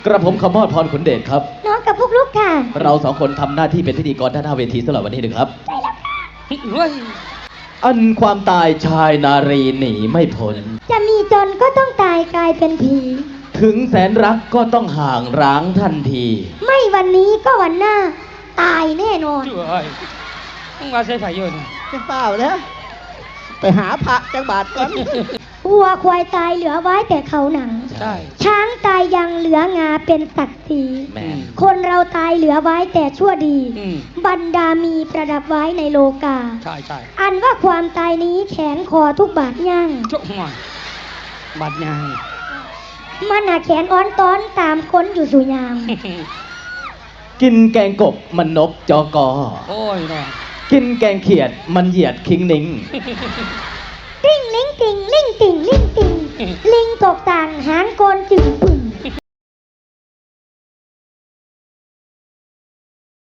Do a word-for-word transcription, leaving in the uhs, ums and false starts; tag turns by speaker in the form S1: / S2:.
S1: กระผมขมอดพรขุนเดชครับ
S2: น้องกับพวกลูกค่ะ
S1: เราสองคนทำหน้าที่เป็นพิธีกรด้านหน้าเวทีสำหรับวันนี้นะครับ
S2: ใช่แล้วค่ะ
S1: อันความตายชายนารีหนีไม่พ้น
S2: จะมีจนก็ต้องตายกลายเป็นผี
S1: ถึงแสนรักก็ต้องห่างร้างทันที
S2: ไม่วันนี้ก็วันหน้าตายแน่นอน
S3: ต้องมาใช้ไผ่ยืน
S4: จะเปล่าแล้วไปหาพระจังบาทก่อน
S2: วัวควายตายเหลือไว้แต่เขาหนัง
S1: ใช่
S2: ช้างตายยังเหลืองาเป็นศักดิ์ศรีคนเราตายเหลือไว้แต่ชั่วดีบรรดามีประดับไว้ในโลกา
S3: ใช่ใช่
S2: อันว่าความตายนี้แขนคอทุกบาทย่าง
S3: จุกหัวบาดย่าง
S2: มันหาแขนอ้อนต้อนตามค้นอยู่สุยาม
S1: กินแกงกบมันนกจอกอ
S3: โอ้ยเนาะ
S1: กินแกงเขียดมันเหยียดคิงนิง
S2: ลิงลิงติงลิงติงลิงติงลิงตกต่างหางโกนจึงปึ่ง